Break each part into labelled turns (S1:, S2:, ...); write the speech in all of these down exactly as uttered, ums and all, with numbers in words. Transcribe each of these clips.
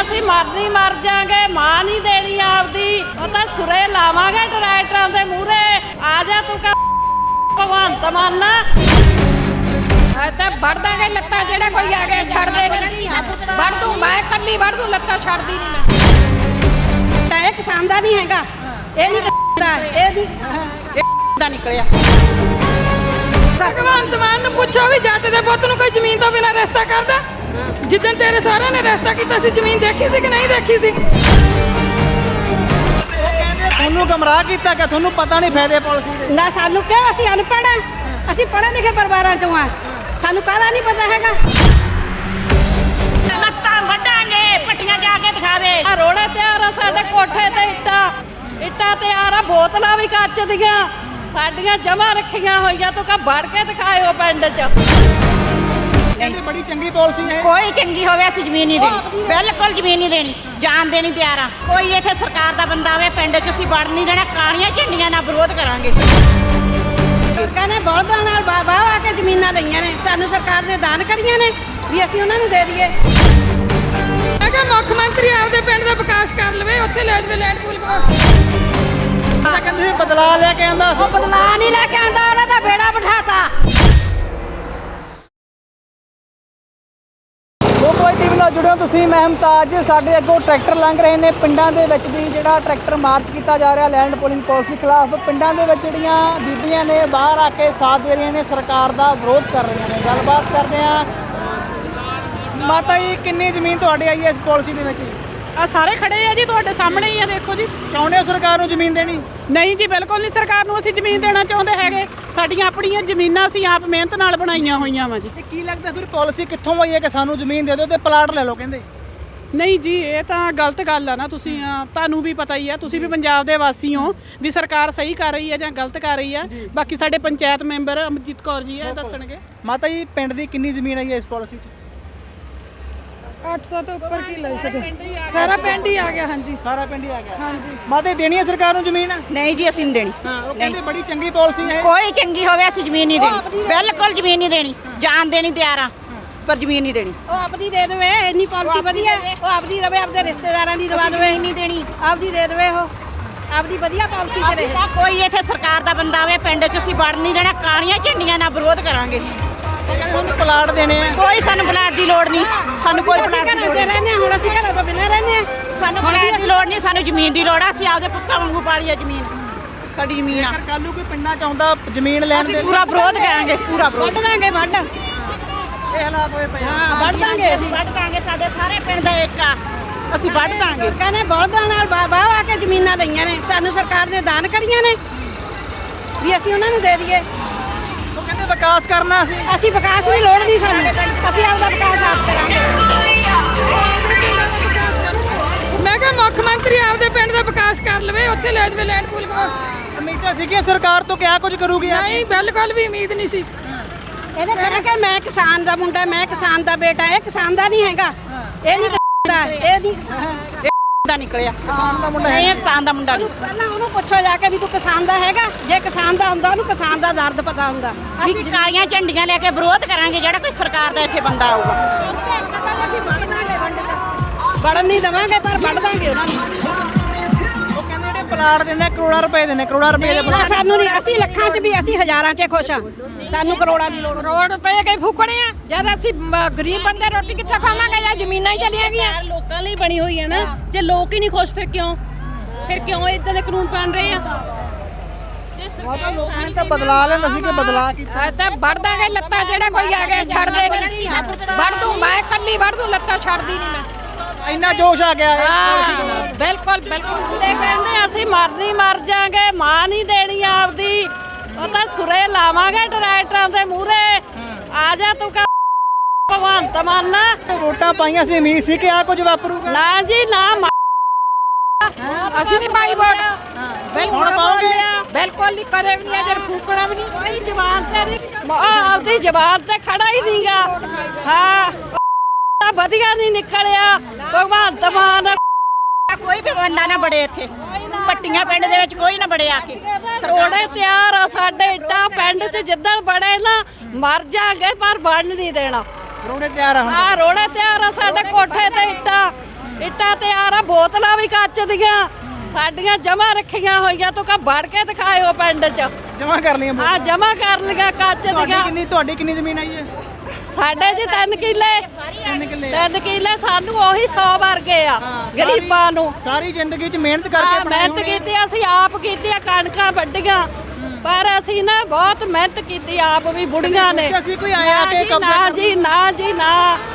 S1: ਅਸੀਂ ਮਰਨੀ ਮਰ ਜਾਾਂਗੇ, ਮਾਂ ਨਹੀਂ ਦੇਣੀ ਆਪਦੀ। ਉਹ ਤਾਂ ਸੁਰੇ ਲਾਵਾਂਗੇ ਟਰੈਕਟਰਾਂ ਦੇ ਮੂਹਰੇ। ਆ ਜਾ ਤੂੰ ਕਾ ਭਗਵੰਤ ਮਾਨਾ
S2: ਤਾਂ ਵੜ ਦਾਂਗੇ ਲੱਤਾਂ, ਜਿਹੜਾ ਕੋਈ ਆ ਗਿਆ ਛੱਡ ਦੇ ਨਹੀਂ। ਵੜ ਦੂੰ ਮੈਂ ਕੱਲੀ ਵੜ ਦੂੰ, ਲੱਤਾਂ ਛੱਡਦੀ ਨਹੀਂ ਮੈਂ।
S1: ਤਾਂ ਇਹ ਕਿਸਾਨ ਦਾ ਨਹੀਂ ਹੈਗਾ, ਇਹ ਨਹੀਂ ਦਾ, ਇਹ ਨਹੀਂ
S2: ਦਾ ਨਿਕਲਿਆ।
S3: ਭਗਵੰਤ ਮਾਨ ਨੂੰ ਪੁੱਛੋ ਵੀ ਜੱਟ ਦੇ ਪੁੱਤ ਨੂੰ ਕੋਈ ਜ਼ਮੀਨ ਤੋਂ ਬਿਨਾਂ ਰਿਸ਼ਤਾ ਕਰਦਾ? ਜਿੱਦਣ ਤੇਰੇ ਸਹੁਰੇ ਨੇ ਰਿਸ਼ਤਾ ਕੀਤਾ ਸੀ ਜ਼ਮੀਨ ਦੇਖੀ ਸੀ ਕਿ ਨਹੀਂ ਦੇਖੀ ਸੀ?
S4: ਤੁਹਾਨੂੰ ਗਮਰਾਹ ਕੀਤਾ ਕਿ ਤੁਹਾਨੂੰ ਪਤਾ ਨਹੀਂ ਫਾਇਦੇ ਪਾਲਿਸੀ ਦੇ?
S1: ਨਾ ਸਾਨੂੰ ਕਿਉਂ, ਅਸੀਂ ਅਨਪੜ੍ਹ ਆ, ਅਸੀਂ ਪੜ੍ਹੇ ਲਿਖੇ ਪਰਿਵਾਰਾਂ ਚੋਂ ਆ, ਸਾਨੂੰ ਕਾਹਦਾ ਨਹੀਂ ਪਤਾ ਹੈਗਾ।
S2: ਲੱਤਾਂ ਵੱਢਾਂਗੇ, ਪੱਟੀਆਂ ਜਾ ਕੇ ਦਿਖਾਵੇ।
S1: ਆ ਰੋੜੇ ਤਿਆਰ ਆ ਸਾਡੇ ਕੋਠੇ ਤੇ, ਇੱਟਾਂ ਇੱਟਾਂ ਤਿਆਰ ਆ, ਬੋਤਲਾਂ ਵੀ ਕੱਚ ਦੀਆਂ ਸਾਡੀਆਂ ਜਮਾ ਰੱਖੀਆਂ ਹੋਈਆਂ। ਤੂੰ ਕਾ ਵੜ ਕੇ ਦਿਖਾਇਓ ਪਿੰਡ 'ਚ।
S4: ਕਹਿੰਦੇ ਬੜੀ ਚੰਗੀ ਪਾਲਿਸੀ ਹੈ।
S2: ਕੋਈ ਚੰਗੀ ਹੋਵੇ ਅਸੀਂ ਜ਼ਮੀਨ ਨਹੀਂ ਦੇਣੀ, ਬਿਲਕੁਲ ਜ਼ਮੀਨ ਨਹੀਂ ਦੇਣੀ, ਜਾਨ ਦੇਣੀ ਤਿਆਰ ਆ। ਕੋਈ ਇੱਥੇ ਸਰਕਾਰ ਦਾ ਬੰਦਾ ਆਵੇ ਪਿੰਡ 'ਚ ਅਸੀਂ ਵੜ ਨਹੀਂ ਦੇਣਾ, ਕਾਲੀਆਂ ਝੰਡੀਆਂ ਨਾਲ ਵਿਰੋਧ ਕਰਾਂਗੇ।
S1: ਲੋਕਾਂ ਨੇ ਬਲਦਾਂ ਨਾਲ ਬਾਬਾ ਆ ਕੇ ਜ਼ਮੀਨਾਂ ਲਈਆਂ ਨੇ, ਸਾਨੂੰ ਸਰਕਾਰ ਨੇ ਦਾਨ ਕਰੀਆਂ ਨੇ ਵੀ ਅਸੀਂ ਉਹਨਾਂ ਨੂੰ ਦੇ ਦਈਏ।
S3: ਮੈਂ ਕਿਹਾ ਮੁੱਖ ਮੰਤਰੀ ਆਪਦੇ ਪਿੰਡ ਦਾ ਵਿਕਾਸ ਕਰ ਲਵੇ, ਉੱਥੇ ਲੈ ਜਾਵੇ ਲੈਂਡ ਪੂਲ ਕੋਲ।
S4: ਤਾਂ ਕਹਿੰਦੇ ਬਦਲਾ ਲੈ ਕੇ ਆਂਦਾ
S1: ਉਹ ਬਦਲਾ ਨਹੀਂ ਲੈ ਕੇ ਆਂਦਾ, ਉਹਨਾਂ ਦਾ ਬੇੜਾ ਬਿਠਾਤਾ।
S4: ਕੋਈ ਟੀਵੀ ਨਾਲ ਜੁੜਿਓ ਤੁਸੀਂ, ਮੈਂ ਮੁਮਤਾਜ। ਸਾਡੇ ਅੱਗੋਂ ਟਰੈਕਟਰ ਲੰਘ ਰਹੇ ਨੇ ਪਿੰਡਾਂ ਦੇ ਵਿੱਚ ਦੀ, ਜਿਹੜਾ ਟਰੈਕਟਰ ਮਾਰਚ ਕੀਤਾ ਜਾ ਰਿਹਾ ਲੈਂਡ ਪੂਲਿੰਗ ਪਾਲਿਸੀ ਖਿਲਾਫ। ਪਿੰਡਾਂ ਦੇ ਵਿੱਚ ਜਿਹੜੀਆਂ ਬੀਬੀਆਂ ਨੇ ਬਾਹਰ ਆ ਕੇ ਸਾਥ ਦੇ ਰਹੀਆਂ ਨੇ, ਸਰਕਾਰ ਦਾ ਵਿਰੋਧ ਕਰ ਰਹੀਆਂ ਨੇ। ਗੱਲਬਾਤ ਕਰਦੇ ਆ। ਮਾਤਾ ਜੀ, ਕਿੰਨੀ ਜ਼ਮੀਨ ਤੁਹਾਡੀ ਆਈ ਹੈ ਇਸ ਪਾਲਿਸੀ ਦੇ ਵਿੱਚ?
S5: ਆ ਸਾਰੇ ਖੜੇ ਆ ਜੀ, ਤੁਹਾਡੇ ਸਾਹਮਣੇ ਹੀ ਆ, ਦੇਖੋ ਜੀ।
S4: ਚਾਹੁੰਦੇ ਹੋ ਸਰਕਾਰ ਨੂੰ ਜ਼ਮੀਨ ਦੇਣੀ?
S5: ਨਹੀਂ ਜੀ, ਬਿਲਕੁਲ ਨਹੀਂ ਸਰਕਾਰ ਨੂੰ ਅਸੀਂ ਜ਼ਮੀਨ ਦੇਣਾ ਚਾਹੁੰਦੇ ਹੈਗੇ। ਸਾਡੀਆਂ ਆਪਣੀਆਂ ਜ਼ਮੀਨਾਂ ਅਸੀਂ ਆਪ ਮਿਹਨਤ ਨਾਲ ਬਣਾਈਆਂ ਹੋਈਆਂ ਵਾ ਜੀ।
S4: ਤੇ ਕੀ ਲੱਗਦਾ ਫਿਰ ਪਾਲਿਸੀ ਕਿੱਥੋਂ ਆਈ ਹੈ ਕਿ ਸਾਨੂੰ ਜ਼ਮੀਨ ਦੇ ਦਿਓ ਤੇ ਪਲਾਟ ਲੈ ਲਓ ਕਹਿੰਦੇ?
S5: ਨਹੀਂ ਜੀ, ਇਹ ਤਾਂ ਗਲਤ ਗੱਲ ਆ ਨਾ। ਤੁਸੀਂ ਅਹ, ਤੁਹਾਨੂੰ ਵੀ ਪਤਾ ਹੀ ਆ, ਤੁਸੀਂ ਵੀ ਪੰਜਾਬ ਦੇ ਵਾਸੀ ਹੋ, ਵੀ ਸਰਕਾਰ ਸਹੀ ਕਰ ਰਹੀ ਹੈ ਜਾਂ ਗਲਤ ਕਰ ਰਹੀ ਹੈ। ਬਾਕੀ ਸਾਡੇ ਪੰਚਾਇਤ ਮੈਂਬਰ ਅਮਰਜੀਤ ਕੌਰ ਜੀ ਇਹ ਦੱਸਣਗੇ।
S4: ਮਾਤਾ ਜੀ, ਪਿੰਡ ਦੀ ਕਿੰਨੀ ਜ਼ਮੀਨ ਆਈ ਹੈ ਇਸ ਪਾਲਿਸੀ 'ਚ?
S3: ਅੱਠ ਸੌ ਤੋਂ ਉੱਪਰ ਕੀ ਲੈ ਸਕਦੇ? ਸਾਰਾ ਪਿੰਡ ਹੀ ਆ ਗਿਆ। ਹਾਂਜੀ,
S4: ਸਾਰਾ ਪਿੰਡ ਹੀ ਆ ਗਿਆ।
S3: ਹਾਂਜੀ।
S4: ਮਾਤਾ ਜੀ, ਦੇਣੀ ਹੈ ਸਰਕਾਰ ਨੂੰ ਜ਼ਮੀਨ?
S2: ਨਹੀਂ ਜੀ, ਅਸੀਂ ਨਹੀਂ ਦੇਣੀ।
S4: ਹਾਂ, ਉਹ ਕਹਿੰਦੇ ਬੜੀ ਚੰਗੀ ਪਾਲਿਸੀ ਹੈ।
S2: ਕੋਈ ਚੰਗੀ ਹੋਵੇ ਅਸੀਂ ਜ਼ਮੀਨ ਨਹੀਂ ਦੇਣੀ, ਬਿਲਕੁਲ ਜ਼ਮੀਨ ਨਹੀਂ ਦੇਣੀ, ਜਾਨ ਦੇਣੀ ਤਿਆਰ ਆ, ਪਰ ਜ਼ਮੀਨ ਨਹੀਂ ਦੇਣੀ।
S1: ਉਹ ਆਪਦੀ ਦੇ ਦੇਵੇ, ਇੰਨੀ ਪਾਲਿਸੀ ਵਧੀਆ। ਉਹ ਆਪਦੀ ਰਵੇ, ਆਪਦੇ ਰਿਸ਼ਤੇਦਾਰਾਂ ਦੀ ਦਵਾ ਦੇਵੇ,
S2: ਨਹੀਂ ਦੇਣੀ,
S1: ਆਪਦੀ ਦੇ ਦੇਵੇ, ਉਹ ਆਪਦੀ ਵਧੀਆ ਪਾਲਿਸੀ ਚ ਰਹੇ।
S2: ਕੋਈ ਇੱਥੇ ਸਰਕਾਰ ਦਾ ਬੰਦਾ ਆਵੇ ਪਿੰਡ 'ਚ ਅਸੀਂ ਵੜ ਨਹੀਂ ਦੇਣਾ, ਕਾਲੀਆਂ ਝੰਡੀਆਂ ਨਾਲ ਵਿਰੋਧ ਕਰਾਂਗੇ।
S4: ਉਹ ਕਹਿੰਦੇ ਤੁਹਾਨੂੰ ਪਲਾਟ ਦੇਣੇ ਆ।
S2: ਕੋਈ ਸਾਨੂੰ ਪਲਾਟ ਦੀ ਲੋੜ ਨਹੀਂ, ਸਾਨੂੰ ਕੋਈ
S1: ਅਸੀਂ
S2: ਪਲਾਟ ਦੀ
S1: ਘਰਾਂ
S2: ਲੋੜ
S1: 'ਚ
S2: ਨਹੀਂ।
S1: ਰਹਿੰਦੇ ਹਾਂ, ਹੁਣ ਅਸੀਂ ਘਰਾਂ ਤੋਂ ਬਿਨਾਂ ਰਹਿੰਦੇ ਹਾਂ।
S2: ਸਾਨੂੰ ਪਲਾਟ ਦੀ ਲੋੜ ਨਹੀਂ, ਸਾਨੂੰ ਜ਼ਮੀਨ ਦੀ ਲੋੜ ਆ। ਅਸੀਂ ਆਪਦੇ ਪੁੱਤਾਂ ਵਾਂਗੂ ਪਾਲੀ ਆ ਜ਼ਮੀਨ, ਸਾਡੀ ਜ਼ਮੀਨ ਆ।
S4: ਅਗਰ ਕੱਲ੍ਹ ਨੂੰ ਕੋਈ ਪਿੰਡਾਂ 'ਚ ਆਉਂਦਾ ਜ਼ਮੀਨ ਲੈਣ
S2: ਅਸੀਂ
S4: ਦੇ,
S2: ਪੂਰਾ ਵਿਰੋਧ ਕਰਾਂਗੇ, ਪੂਰਾ ਵਿਰੋਧ।
S1: ਵੱਢ ਦਾਂਗੇ, ਵੱਢ।
S4: ਇਹ ਹਾਲਾਤ ਹੋਏ ਪਏ ਆ।
S1: ਹਾਂ, ਵੱਢ ਦਾਂਗੇ ਅਸੀਂ।
S2: ਵੱਢ ਦਾਂਗੇ, ਸਾਡੇ ਸਾਰੇ ਪਿੰਡ ਦਾ ਇੱਕ ਆ, ਅਸੀਂ ਵੱਢ ਦਾਂਗੇ।
S1: ਲੋਕਾਂ ਨੇ ਬਲਦਾਂ ਨਾਲ ਬਾਬਾ ਆ ਕੇ ਜ਼ਮੀਨਾਂ ਲਈਆਂ ਨੇ, ਸਾਨੂੰ ਸਰਕਾਰ ਨੇ ਦਾਨ ਕਰੀਆਂ ਨੇ ਵੀ ਅਸੀਂ ਉਹਨਾਂ ਨੂੰ ਦੇ ਦਈਏ।
S4: ਉਹ ਕਹਿੰਦੇ ਵਿਕਾਸ ਕਰਨਾ ਅਸੀਂ।
S1: ਅਸੀਂ ਵਿਕਾਸ ਦੀ ਲੋੜ ਨਹੀਂ ਸਾਨੂੰ, ਅਸੀਂ ਆਪਦਾ ਵਿਕਾਸ ਆਪ ਕਰਾਂਗੇ।
S3: ਮੈਂ ਕਿਹਾ ਮੁੱਖ ਮੰਤਰੀ ਆਪਦੇ ਪਿੰਡ ਦਾ ਵਿਕਾਸ ਕਰ ਲਵੇ, ਉੱਥੇ ਲੈ ਜਾਵੇ ਲੈਂਡ ਪੂਲ ਕੋਲ।
S4: ਉਮੀਦਾਂ ਸੀ ਕਿ ਸਰਕਾਰ ਤੋਂ ਕਿਆ ਕੁਝ ਕਰੂਗੀ।
S3: ਨਹੀਂ, ਬਿਲਕੁਲ ਵੀ ਉਮੀਦ ਨਹੀਂ ਸੀ।
S1: ਇਹਨੇ ਕਹਿਣਾ ਕਿ ਮੈਂ ਕਿਸਾਨ ਦਾ ਮੁੰਡਾ, ਮੈਂ ਕਿਸਾਨ ਦਾ ਬੇਟਾ। ਇਹ ਕਿਸਾਨ ਦਾ ਨਹੀਂ ਹੈਗਾ, ਇਹ ਨਹੀਂ ਦਾ, ਇਹ ਨਹੀਂ
S2: ਦਾ ਨਿਕਲਿਆ,
S4: ਕਿਸਾਨ ਦਾ ਮੁੰਡਾ
S2: ਨਹੀਂ ਕਿਸਾਨ ਦਾ ਮੁੰਡਾ ਨਹੀਂ।
S1: ਪਹਿਲਾਂ ਉਹਨੂੰ ਪੁੱਛੋ ਜਾ ਕੇ ਵੀ ਤੂੰ ਕਿਸਾਨ ਦਾ ਹੈਗਾ। ਜੇ ਕਿਸਾਨ ਦਾ ਹੁੰਦਾ ਉਹਨੂੰ ਕਿਸਾਨ ਦਾ ਦਰਦ ਪਤਾ ਹੁੰਦਾ।
S2: ਅਸੀਂ ਕਾਲੀਆਂ ਝੰਡੀਆਂ ਲੈ ਕੇ ਵਿਰੋਧ ਕਰਾਂਗੇ ਜਿਹੜਾ ਕੋਈ ਸਰਕਾਰ ਦਾ ਇੱਥੇ ਬੰਦਾ ਆਊਗਾ।
S1: ਵੜਨ ਨਹੀਂ ਦੇਵਾਂਗੇ, ਪਰ ਵੱਢ ਦਾਂਗੇ ਉਹਨਾਂ ਨੂੰ।
S4: ਉਹ ਕਹਿੰਦੇ ਜਿਹੜੇ ਪਲਾਟ ਦੇਣੇ ਕਰੋੜਾਂ ਰੁਪਏ ਦੇ ਨੇ, ਕਰੋੜਾਂ ਰੁਪਏ ਦੇ
S1: ਨਾ,
S4: ਪਲਾਟ।
S1: ਸਾਨੂੰ ਨਹੀਂ, ਅਸੀਂ ਲੱਖਾਂ 'ਚ ਵੀ, ਅਸੀਂ ਹਜ਼ਾਰਾਂ 'ਚ ਖੁਸ਼ ਆ। ਸਾਨੂੰ ਕਰੋੜਾਂ ਦੀ ਲੋੜ।
S2: ਕਰੋੜ ਰੁਪਏ ਕੇ ਫੂਕਣੇ ਆ, ਜਦ ਅਸੀਂ ਗਰੀਬ ਬੰਦੇ ਰੋਟੀ ਕਿੱਥੋਂ ਖਾਵਾਂਗੇ? ਜਾਂ ਜ਼ਮੀਨਾਂ ਹੀ ਚਲੀਆਂ ਗਈਆਂ।
S6: ਲੋਕਾਂ ਲਈ ਬਣੀ ਹੋਈ ਹੈ ਨਾ। ਜੇ ਲੋਕ ਹੀ ਨਹੀਂ ਖੁਸ਼, ਫਿਰ ਕਿਉਂ ਫਿਰ ਕਿਉਂ ਇਦਾਂ ਦੇ ਕਾਨੂੰਨ ਬਣ ਰਹੇ ਆ?
S4: ਲੋਕਾਂ ਨੇ ਤਾਂ ਬਦਲਾ ਲੈਂਦਾ ਸੀ ਕਿ ਬਦਲਾ ਕੀਤਾ।
S2: ਤਾਂ ਵੜ ਦਾਂਗੇ ਲੱਤਾਂ, ਜਿਹੜਾ ਕੋਈ ਆ ਗਿਆ ਛੱਡ ਦੇ ਨਹੀਂ। ਵੜ ਦੂੰ ਮੈਂ ਕੱਲੀ ਵੜ ਦੂੰ, ਲੱਤਾਂ ਛੱਡਦੀ ਨਹੀਂ ਮੈਂ।
S4: ਇੰਨਾ ਜੋਸ਼ ਆ ਗਿਆ ਹੈ।
S2: ਹਾਂ, ਬਿਲਕੁਲ ਬਿਲਕੁਲ।
S1: ਤੇ ਕਹਿੰਦੇ ਅਸੀਂ ਮਰਨੀ ਮਰ ਜਾਾਂਗੇ, ਮਾਂ ਨਹੀਂ ਦੇਣੀ ਆਪਦੀ। ਉਹ ਤਾਂ ਸੁਰੇ ਲਾਵਾਂਗੇ ਟਰੈਕਟਰਾਂ ਦੇ ਮੂਹਰੇ। ਆ ਜਾ ਤੂੰ ਕਾ ਭਗਵੰਤ ਮਾਨਾ।
S4: ਵੋਟਾਂ ਪਾਈਆਂ ਸੀ, ਉਮੀਦ ਸੀ ਕਿ ਆ ਕੁਝ ਵਾਪਰੂਗਾ।
S1: ਨਾ ਜੀ ਨਾ,
S2: ਅਸੀਂ ਨਹੀਂ ਪਾਈ ਵੋਟ। ਬਿਲਕੁਲ
S4: ਹੁਣ ਪਾਓਗੇ?
S2: ਬਿਲਕੁਲ ਨਹੀਂ, ਕਦੇ ਵੀ ਨਹੀਂ, ਅਜਰ ਫੂਕਣਾ ਵੀ ਨਹੀਂ।
S1: ਕੋਈ ਜਵਾਨ ਤੇ ਨਹੀਂ, ਆਪਦੀ ਜਵਾਨ ਤੇ ਖੜਾ ਹੀ ਨਹੀਂਗਾ। ਹਾਂ, ਵਧੀਆ ਨਹੀਂ ਨਿਕਲਿਆ ਭਗਵੰਤ ਮਾਨ।
S2: ਕੋਈ ਵੀ ਬੰਦਾ ਨਾ ਬੜੇ ਇੱਥੇ, ਪੱਟੀਆਂ ਪਿੰਡ ਦੇ ਵਿੱਚ ਕੋਈ ਨਾ ਬੜੇ ਆ ਕੇ।
S1: ਰੋੜੇ ਤਿਆਰ ਆ ਸਾਡੇ, ਇੱਟਾਂ ਪਿੰਡ 'ਚ ਜਿੱਦਣ ਬੜੇ ਨਾ ਮਰ ਜਾਗੇ, ਪਰ ਬਣ ਨਹੀਂ ਦੇਣਾ।
S4: ਰੋੜੇ ਤਿਆਰ ਆ ਹੁਣ।
S1: ਹਾਂ, ਰੋੜੇ ਤਿਆਰ ਆ ਸਾਡੇ ਕੋਠੇ ਤੇ, ਇੱਟਾਂ ਇੱਟਾਂ ਤਿਆਰ ਆ, ਬੋਤਲਾਂ ਵੀ ਕੱਚ ਦੀਆਂ ਸਾਡੀਆਂ ਜਮਾ ਰੱਖੀਆਂ ਹੋਈਆਂ, ਤੂੰ ਕਾ ਵੜ ਕੇ ਦਿਖਾਇਓ ਪਿੰਡ 'ਚ।
S4: ਜਮਾ ਕਰ ਲਈਆਂ
S1: ਆ ਜਮਾ ਕਰ ਲਿਆ ਕੱਚ
S4: ਤੁਹਾਡੀ
S1: ਦੀਆਂ।
S4: ਕਿੰਨੀ ਤੁਹਾਡੀ ਕਿੰਨੀ ਜ਼ਮੀਨ ਆਈ ਹੈ?
S1: ਸਾਡੇ ਜੀ ਤਿੰਨ ਕਿੱਲੇ
S4: ਤਿੰਨ ਕਿੱਲੇ
S1: ਤਿੰਨ ਕਿੱਲੇ ਸਾਨੂੰ ਉਹੀ ਸੌ ਵਰਗੇ ਆ ਗਰੀਬਾਂ ਨੂੰ।
S4: ਸਾਰੀ ਜ਼ਿੰਦਗੀ 'ਚ ਮਿਹਨਤ ਕਰਕੇ
S1: ਹਾਂ, ਮਿਹਨਤ ਕੀਤੀ, ਅਸੀਂ ਆਪ ਕੀਤੀ ਆ, ਕਣਕਾਂ ਵੱਢੀਆਂ, ਪਰ ਅਸੀਂ ਨਾ ਬਹੁਤ ਮਿਹਨਤ ਕੀਤੀ ਆਪ ਵੀ, ਬੁੜੀਆਂ ਨੇ।
S4: ਅਸੀਂ ਕੋਈ ਆਇਆ
S1: ਨਾ
S4: ਕਿ
S1: ਜੀ,
S4: ਕਬਜ਼ਾ
S1: ਨਾ
S4: ਕਰ-
S1: ਜੀ ਨਾ ਜੀ ਨਾ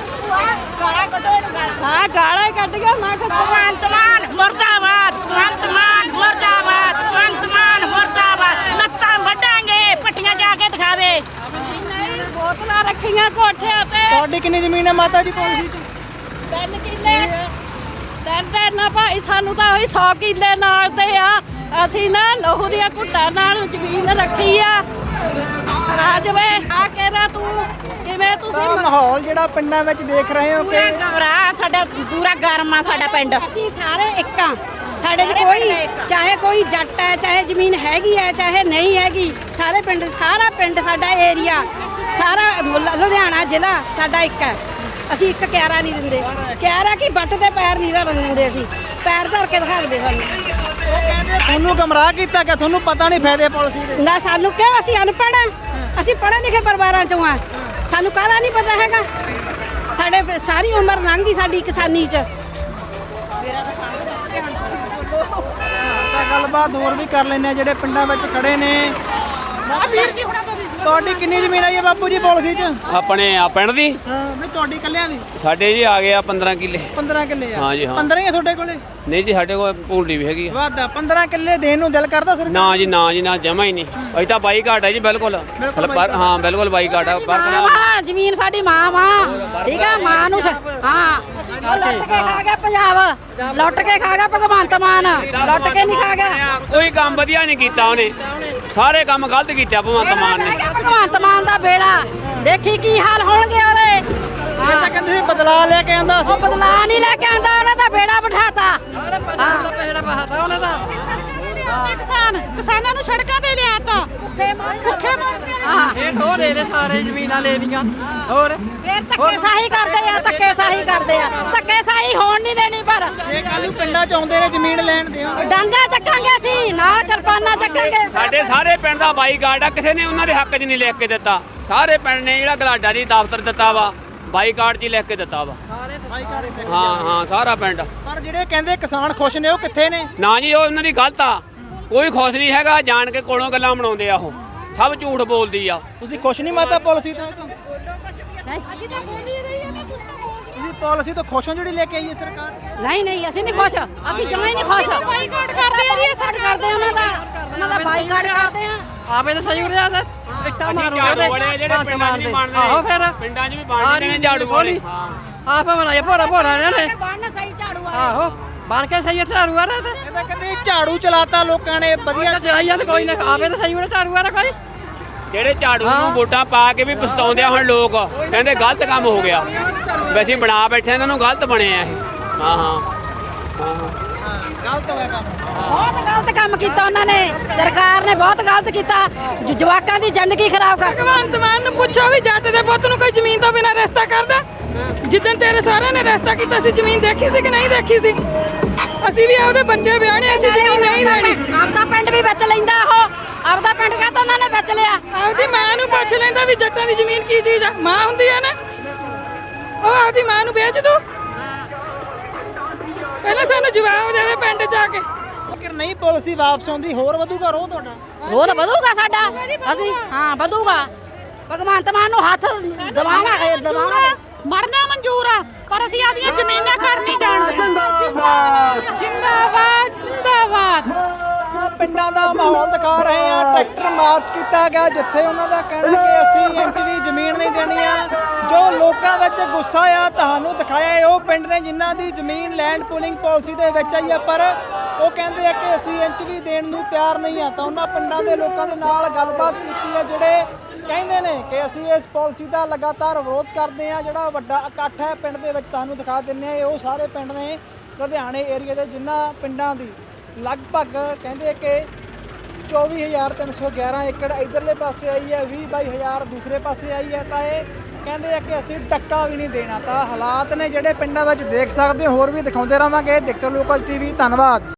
S1: ਹਾਂ ਗਾਲਾਂ ਹੀ ਕੱਢ ਗਿਆ। ਮੈਂ ਕਿਹਾ
S7: ਭਗਵੰਤ ਮਾਨ ਮੁਰਦਾਬਾਦ, ਭਗਵੰਤ ਮਾਨ ਮੁਰਦਾਬਾਦ, ਭਗਵੰਤ ਮਾਨ ਮੁਰਦਾਬਾਦ। ਲੱਤਾਂ ਵੱਢਾਂਗੇ, ਪੱਟੀਆਂ ਜਾ ਕੇ ਦਿਖਾਵੇ।
S1: ਨਹੀਂ, ਬੋਤਲਾਂ ਰੱਖੀਆਂ ਕੋਠਿਆਂ ਤੇ।
S4: ਤੁਹਾਡੀ ਕਿੰਨੀ ਜ਼ਮੀਨ ਹੈ ਮਾਤਾ ਜੀ ਪਾਲਿਸੀ 'ਚ?
S1: ਤਿੰਨ ਕਿੱਲੇ ਤਿੰਨ ਤਿੰਨ ਨਾ ਭਾਈ, ਸਾਨੂੰ ਤਾਂ ਉਹੀ ਸੌ ਕਿੱਲੇ ਨਾਲ ਦੇ ਆ। ਅਸੀਂ ਨਾ ਲਹੂ ਦੀਆਂ ਘੁੱਟਾਂ ਨਾਲ ਜ਼ਮੀਨ ਰੱਖੀ ਆ। ਆ ਜਵੇ ਆ ਕਹਿਰਾ ਤੂੰ ਕਿਵੇਂ ਤੁਸੀਂ
S4: ਤਾਂ ਮਾਹੌਲ ਜਿਹੜਾ ਪਿੰਡਾਂ ਵਿੱਚ ਦੇਖ ਰਹੇ ਹੋ ਕਿ
S7: ਪੂਰਾ ਘਬਰਾ, ਸਾਡਾ ਪੂਰਾ ਗਰਮ ਆ ਸਾਡਾ ਪਿੰਡ।
S2: ਅਸੀਂ ਸਾਰੇ ਇੱਕ ਆ, ਸਾਡੇ 'ਚ ਕੋਈ ਚਾਹੇ ਕੋਈ ਜੱਟ ਹੈ, ਚਾਹੇ ਜ਼ਮੀਨ ਹੈਗੀ ਹੈ, ਚਾਹੇ ਨਹੀਂ ਹੈਗੀ, ਸਾਰੇ ਪਿੰਡ, ਸਾਰਾ ਪਿੰਡ ਸਾਡਾ ਏਰੀਆ, ਸਾਰਾ ਮੁ- ਲੁਧਿਆਣਾ ਜ਼ਿਲ੍ਹਾ ਸਾਡਾ ਇੱਕ ਹੈ। ਅਸੀਂ ਇੱਕ ਕਿਆਰਾ ਨਹੀਂ ਦਿੰਦੇ, ਕਿਆਰਾ ਕੀ ਬੱਟ ਤੇ ਪੈਰ ਨਹੀਂ ਧਰਨ ਦਿੰਦੇ, ਅਸੀਂ ਪੈਰ ਧਰ ਕੇ ਦਿਖਾ ਦੇ ਸਾਨੂੰ।
S4: ਉਹ ਕਹਿੰਦੇ ਤੁਹਾਨੂੰ ਗਮਰਾਹ ਕੀਤਾ ਕਿ ਤੁਹਾਨੂੰ ਪਤਾ ਨਹੀਂ ਫਾਇਦੇ ਪਾਲਿਸੀ ਦੇ।
S2: ਨਾ ਸਾਨੂੰ ਕਿਉਂ, ਅਸੀਂ ਅਨਪੜ੍ਹ ਆ, ਅਸੀਂ ਪੜ੍ਹੇ ਲਿਖੇ ਪਰਿਵਾਰਾਂ ਚੋਂ ਆ, ਸਾਨੂੰ ਕਾਹਦਾ ਨਹੀਂ ਪਤਾ ਹੈਗਾ। ਸਾਡੇ ਪ- ਸਾਰੀ ਉਮਰ ਲੰਘ ਗਈ ਸਾਡੀ ਕਿਸਾਨੀ 'ਚ।
S4: ਤਾਂ ਗੱਲਬਾਤ ਹੋਰ ਵੀ ਕਰ ਲੈਂਦੇ ਆ ਜਿਹੜੇ ਪਿੰਡਾਂ ਵਿੱਚ ਖੜੇ ਨੇ। ਤੁਹਾਡੀ ਕਿੰਨੀ ਜ਼ਮੀਨ ਆਈ ਹੈ ਬਾਪੂ ਜੀ ਪਾਲਿਸੀ 'ਚ?
S8: ਆਪਣੇ ਆ ਪਿੰਡ ਦੀ
S4: ਹਾਂ ਨਹੀਂ ਤੁਹਾਡੀ ਇਕੱਲਿਆਂ ਦੀ
S8: ਸਾਡੇ ਜੀ ਆ ਗਿਆ ਪੰਦਰਾਂ ਕਿੱਲੇ।
S4: ਪੰਦਰਾਂ ਕਿੱਲੇ ਆ?
S8: ਹਾਂ ਜੀ, ਹਾਂ।
S4: ਪੰਦਰਾਂ ਹੀ ਆ ਤੁਹਾਡੇ ਕੋਲੇ?
S8: ਨਹੀਂ ਜੀ ਸਾਡੇ ਕੋਲ ਪੂਲਡੀ ਵੀ ਹੈਗੀ ਆ।
S4: ਵਾਦਾ ਪੰਦਰਾਂ ਕਿੱਲੇ ਦੇਣ ਨੂੰ ਦਿਲ ਕਰਦਾ ਸਰਕਾਰ?
S8: ਨਾ ਜੀ ਨਾ ਜੀ ਨਾ, ਜਮਾ ਹੀ ਨਹੀਂ। ਅਸੀਂ ਤਾਂ ਬਾਈ ਘਾਟ ਹੈ ਜੀ, ਬਿਲਕੁਲ ਪਰ ਹਾਂ ਬਿਲਕੁਲ ਬਾਈ ਘਾਟ ਆ ਪਰ
S2: ਮਾਂ ਵਾ, ਜ਼ਮੀਨ ਸਾਡੀ ਮਾਂ ਵਾ, ਠੀਕ ਆ। ਮਾਂ ਨੂੰ ਸ- ਹਾਂ ਉਹ ਲੁੱਟ ਕੇ ਖਾ ਗਿਆ ਪੰਜਾਬ, ਲੁੱਟ ਕੇ ਖਾ ਗਿਆ ਭਗਵੰਤ ਮਾਨ, ਲੁੱਟ ਕੇ ਨਹੀਂ ਖਾ ਗਿਆ।
S8: ਕੋਈ ਕੰਮ ਵਧੀਆ ਨਹੀਂ ਕੀਤਾ ਉਹਨੇ, ਸਾਰੇ ਕੰਮ ਗਲਤ ਕੀਤਾ ਭਗਵੰਤ ਮਾਨ ਨੇ।
S2: ਭਗਵੰਤ ਮਾਨ ਦਾ ਬੇੜਾ ਦੇਖੀ ਕੀ ਹਾਲ ਹੋਣਗੇ ਉਹਦੇ।
S4: ਇਹ ਤਾਂ ਕਹਿੰਦੇ ਸੀ ਬਦਲਾ ਲੈ ਕੇ ਆਂਦਾ ਸੀ।
S2: ਉਹ ਬਦਲਾ ਨਹੀਂ ਲੈ ਕੇ ਆਂਦਾ, ਉਹਨੇ ਤਾਂ ਬੇੜਾ ਬਿਠਾਤਾ।
S7: ਕਿਸਾਨ ਕਿਸਾਨਾਂ ਨੂੰ ਸੜਕਾਂ ਤੇ ਲਿਆਤਾ, ਭੁੱਖੇ ਮਰਦੇ ਆ।
S2: ਹਾਂ
S9: ਇਹ ਹੋ ਦੇ ਸਾਰੇ ਜ਼ਮੀਨਾਂ ਲੈ ਲੀਆਂ ਹੋਰ
S2: ਫੇਰ ਧੱਕੇ ਸਾਹੀ ਕਰਦੇ ਆ, ਧੱਕੇ ਸਾਹੀ ਕਰਦੇ ਆ, ਧੱਕੇ ਸਾਹੀ ਹੋਣ ਨਹੀਂ ਦੇਣੀ। ਪਰ
S4: ਇਹ ਕੱਲ ਨੂੰ ਪਿੰਡਾਂ 'ਚ ਆਉਂਦੇ ਨੇ ਜ਼ਮੀਨ ਲੈਣ ਦਿਓ।
S2: ਡਾਂਗਾ ਚੱਕਾਂਗੇ ਅਸੀਂ, ਨਾਲ ਕਿਰਪਾਨਾਂ ਚੱਕਾਂਗੇ।
S8: ਸਾਡੇ ਸਾਰੇ ਪਿੰਡ ਦਾ ਬਾਈ ਘਾਟ ਆ, ਕਿਸੇ ਨੇ ਉਹਨਾਂ ਦੇ ਹੱਕ 'ਚ ਨਹੀਂ ਲਿਖ ਕੇ ਦਿੱਤਾ। ਸਾਰੇ ਪਿੰਡ ਨੇ ਜਿਹੜਾ ਗਲਾਡਾ ਜੀ ਦਫ਼ਤਰ ਦਿੱਤਾ ਵਾ, ਬਾਈ ਘਾਟ 'ਚ ਹੀ ਲਿਖ ਕੇ ਦਿੱਤਾ ਵਾ। ਹਾਂ ਹਾਂ ਸਾਰਾ ਪਿੰਡ।
S4: ਪਰ ਜਿਹੜੇ ਕਹਿੰਦੇ ਕਿਸਾਨ ਖੁਸ਼ ਨੇ ਉਹ ਕਿੱਥੇ ਨੇ?
S8: ਨਾ ਜੀ ਉਹ ਉਹਨਾਂ ਦੀ ਗਲਤ ਆ, ਕੋਈ ਖੁਸ਼ ਨਹੀਂ ਹੈਗਾ, ਜਾਣ ਕੇ ਕੋਲੋਂ ਗੱਲਾਂ ਬਣਾਉਂਦੇ ਆ, ਉਹ ਸਭ ਝੂਠ ਬੋਲਦੀ ਆ।
S4: ਤੁਸੀਂ ਖੁਸ਼ ਨਹੀਂ ਮਾਤਾ ਪਾਲਿਸੀ ਤੋਂ? ਤੁਸੀਂ ਪਾਲਿਸੀ ਤੋਂ ਖੁਸ਼ ਹੋ ਜਿਹੜੀ ਲੈ ਕੇ ਆਈ ਹੈ ਸਰਕਾਰ?
S2: ਨਹੀਂ ਨਹੀਂ ਅਸੀਂ ਨਹੀਂ ਖੁਸ਼, ਅਸੀਂ ਜਮਾਂ ਹੀ ਨਹੀਂ ਖੁਸ਼।
S7: ਬਾਈਕਾਟ ਕਰਦੇ ਆ ਜੀ,
S2: ਬਾਈਕਾਟ ਕਰਦੇ ਆ ਉਹਨਾਂ ਦਾ, ਉਹਨਾਂ ਦਾ ਬਾਈਕਾਟ ਕਰਦੇ ਆ।
S9: ਆਪੇ ਤਾਂ ਸਹੀ ਹੋ ਰਿਹਾ ਤੇ ਇੱਟਾਂ ਮਾਰੂਗੇ
S8: ਝਾੜੂ ਵਾਲੇ ਜਿਹੜੇ ਪਿੰਡਾਂ 'ਚ ਵੀ ਬਣਦੇ ਨੇ।
S9: ਆਹੋ ਫਿਰ
S8: ਪਿੰਡਾਂ 'ਚ ਵੀ ਬਣਦੇ ਨੇ ਝਾੜੂ ਵਾਲੇ।
S9: ਆਪੇ ਬਣਾਏ ਭੋਰਾ ਭੋਰਾ ਨੇ
S2: ਬਣਨ ਸਹੀ ਝਾੜੂ ਆ।
S9: ਆਹੋ ਬਣ ਕੇ ਸਹੀ ਝਾੜੂ ਆ ਰਹੇ ਤੇ
S4: ਇਹ ਤਾਂ ਕਹਿੰਦੇ ਝਾੜੂ ਚਲਾਤਾ ਲੋਕਾਂ ਨੇ ਵਧੀਆ।
S9: ਚਲਾਈਆਂ ਤੇ ਕੋਈ ਨਾ, ਆਪੇ ਤਾਂ ਸਹੀ ਹੋਣਾ ਝਾੜੂ ਆ ਕੋਈ।
S8: ਜਿਹੜੇ ਝਾੜੂ ਨੂੰ ਵੋਟਾਂ ਪਾ ਕੇ ਵੀ ਪਛਤਾਉਂਦੇ ਆ ਹੁਣ ਲੋਕ, ਕਹਿੰਦੇ ਗਲਤ ਕੰਮ ਹੋ ਗਿਆ। ਵੈਸੇ ਬਣਾ ਬੈਠੇ ਇਹਨਾਂ ਨੂੰ ਗਲਤ ਬਣੇ ਆ ਇਹ। ਹਾਂ ਹਾਂ
S4: ਗਲਤ ਹੋਇਆ ਕੰਮ।
S2: ਬਹੁਤ ਗਲਤ ਕੰਮ ਕੀਤਾ ਉਹਨਾਂ ਨੇ, ਸਰਕਾਰ ਨੇ ਬਹੁਤ ਗਲਤ ਕੀਤਾ। ਜ- ਜਵਾਕਾਂ ਦੀ ਜ਼ਿੰਦਗੀ ਖਰਾਬ ਕਰ।
S3: ਭਗਵੰਤ ਮਾਨ ਨੂੰ ਪੁੱਛੋ ਵੀ ਜੱਟ ਦੇ ਪੁੱਤ ਨੂੰ ਕੋਈ ਜ਼ਮੀਨ ਤੋਂ ਬਿਨਾਂ ਰਿਸ਼ਤਾ ਕਰਦਾ? ਜਿੱਦਣ ਤੇਰੇ ਸਹੁਰੇ ਨੇ ਰਿਸ਼ਤਾ ਕੀਤਾ ਸੀ ਜ਼ਮੀਨ ਦੇਖੀ ਸੀ ਕਿ ਨਹੀਂ ਦੇਖੀ ਸੀ? ਅਸੀਂ ਵੀ ਆਪਦੇ ਬੱਚੇ ਵਿਆਹਣੇ, ਅਸੀਂ ਜ਼ਮੀਨ ਨਹੀਂ ਦੇਣੀ।
S2: ਆਪਦਾ ਪਿੰਡ ਵੀ ਵਿੱਚ ਲੈਂਦਾ ਉਹ, ਆਪਦਾ ਪਿੰਡ ਕਾਹਤੋਂ ਉਹਨਾਂ ਨੇ ਵਿੱਚ ਲਿਆ।
S3: ਆਪਦੀ ਮਾਂ ਨੂੰ ਪੁੱਛ ਲੈਂਦਾ ਵੀ ਜੱਟਾਂ ਦੀ ਜ਼ਮੀਨ ਕੀ ਚੀਜ਼ ਆ। ਮਾਂ ਹੁੰਦੀ ਆ ਨਾ, ਉਹ ਆਪਦੀ ਮਾਂ ਨੂੰ ਵੇਚ ਦੂ। ਪਹਿਲਾਂ ਸਾਨੂੰ ਜਵਾਬ ਦੇਵੇ ਪਿੰਡ 'ਚ ਆ ਕੇ।
S4: ਅਗਰ ਨਹੀਂ ਪਾਲਿਸੀ ਵਾਪਸ ਆਉਂਦੀ ਹੋਰ ਵਧੂਗਾ ਰੋਹ ਤੁਹਾਡਾ?
S2: ਉਹ ਤਾਂ ਵਧੂਗਾ ਸਾਡਾ, ਅਸੀਂ ਹਾਂ ਵਧੂਗਾ। ਭਗਵੰਤ ਮਾਨ ਨੂੰ ਹੱਥ ਦਬਾਵਾਂਗੇ, ਦਬਾਵਾਂਗੇ।
S7: ਮਰਨਾ ਮਨਜ਼ੂਰ ਆ, ਪਰ ਅਸੀਂ ਆਪਦੀਆਂ ਜ਼ਮੀਨਾਂ ਘਰ ਨਹੀਂ ਜਾਣ ਦੇਣਾ। ਜਿੰਦਾਬਾਦ ਜਿੰਦਾਬਾਦ।
S4: ਪਿੰਡਾਂ ਦਾ ਮਾਹੌਲ ਦਿਖਾ ਰਹੇ ਆ। ਟਰੈਕਟਰ ਮਾਰਚ ਕੀਤਾ ਗਿਆ ਜਿੱਥੇ ਉਹਨਾਂ ਦਾ ਕਹਿਣਾ ਕਿ ਅਸੀਂ ਇੰਚ ਵੀ ਜ਼ਮੀਨ ਨਹੀਂ ਦੇਣੀ ਆ। ਜੋ ਲੋਕਾਂ ਵਿੱਚ ਗੁੱਸਾ ਆ ਤੁਹਾਨੂੰ ਦਿਖਾਇਆ ਹੈ ਉਹ ਪਿੰਡ ਨੇ ਜਿਨ੍ਹਾਂ ਦੀ ਜ਼ਮੀਨ ਲੈਂਡ ਪੂਲਿੰਗ ਪਾਲਿਸੀ ਦੇ ਵਿੱਚ ਆਈ ਹੈ, ਪਰ ਉਹ ਕਹਿੰਦੇ ਆ ਕਿ ਅਸੀਂ ਇੰਚ ਵੀ ਦੇਣ ਨੂੰ ਤਿਆਰ ਨਹੀਂ ਆ। ਤਾਂ ਉਹਨਾਂ ਪਿੰਡਾਂ ਦੇ ਲੋਕਾਂ ਦੇ ਨਾਲ ਗੱਲਬਾਤ ਕੀਤੀ ਹੈ ਜਿਹੜੇ ਕਹਿੰਦੇ ਨੇ ਕਿ ਅਸੀਂ ਇਸ ਪਾਲਿਸੀ ਦਾ ਲਗਾਤਾਰ ਵਿਰੋਧ ਕਰਦੇ ਆ। ਜਿਹੜਾ ਵੱਡਾ ਇਕੱਠ ਹੈ ਪਿੰਡ ਦੇ ਵਿੱਚ ਤੁਹਾਨੂੰ ਦਿਖਾ ਦਿੰਦੇ ਆ। ਇਹ ਉਹ ਸਾਰੇ ਪਿੰਡ ਨੇ ਲੁਧਿਆਣੇ ਏਰੀਆ ਦੇ ਜਿਨ੍ਹਾਂ ਪਿੰਡਾਂ ਦੀ ਲਗਭਗ ਕਹਿੰਦੇ ਕਿ ਚੌਵੀ ਹਜ਼ਾਰ ਤਿੰਨ ਸੌ ਗਿਆਰਾਂ ਏਕੜ ਇਧਰਲੇ ਪਾਸੇ ਆਈ ਹੈ, ਵੀਹ ਬਾਈ ਹਜ਼ਾਰ ਦੂਸਰੇ ਪਾਸੇ ਆਈ ਹੈ। ਤਾਂ ਇਹ ਕਹਿੰਦੇ ਆ ਕਿ ਅਸੀਂ ਟੱਕਾ ਵੀ ਨਹੀਂ ਦੇਣਾ। ਤਾਂ ਹਾਲਾਤ ਨੇ ਜਿਹੜੇ ਪਿੰਡਾਂ ਵਿੱਚ ਦੇਖ ਸਕਦੇ ਹੋ, ਹੋਰ ਵੀ ਦਿਖਾਉਂਦੇ ਰਹਾਂਗੇ। ਦੇਖਦੇ ਲੋਕਾਂ ਟੀਵੀ, ਧੰਨਵਾਦ।